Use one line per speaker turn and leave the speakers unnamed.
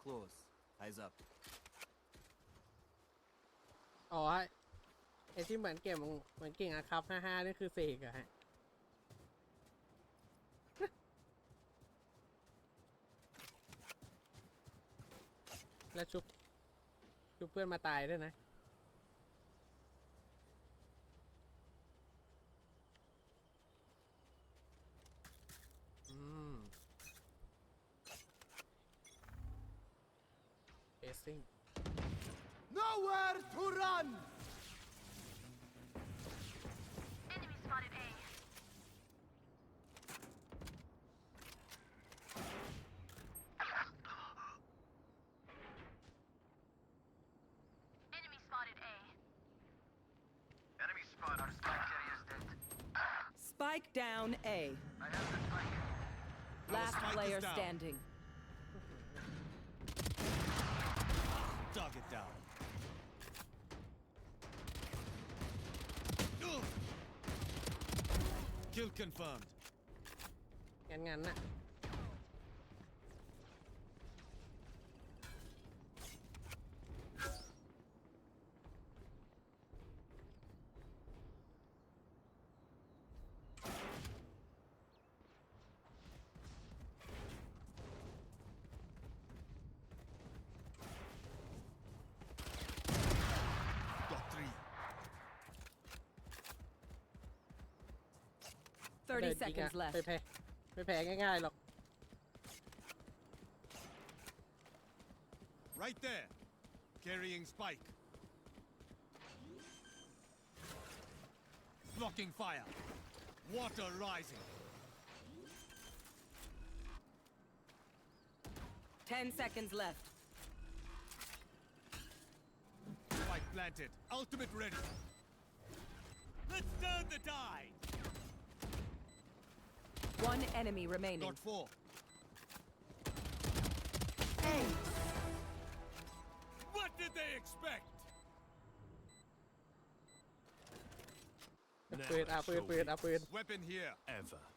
close. Eyes up.
อ๋อไอที่เหมือนเก่งอะครับ55นี่คือเสกอะฮะ แล้วชุบเพื่อนมาตายด้วยนะอืม pacing
Nowhere to run!
Enemy spotted A. Enemy spotted A.
Enemy spot. Our spike carrier is dead.
Spike down A.
I have the spike.
Last
spike is
player
down.
standing.
Target down. Kill confirmed.
งั้นน่ะ
Got 3.
30
เดินจริง
seconds
อะ
left.
ไม่แพ้ง่ายๆหรอก
Right there. Carrying spike. Blocking fire. Water rising.
10 seconds left.
Spike planted. Ultimate ready. Let's turn the tide.
One enemy remaining.
Got 4. What did they expect?
ปืนปืน
Weapon here.
Ever.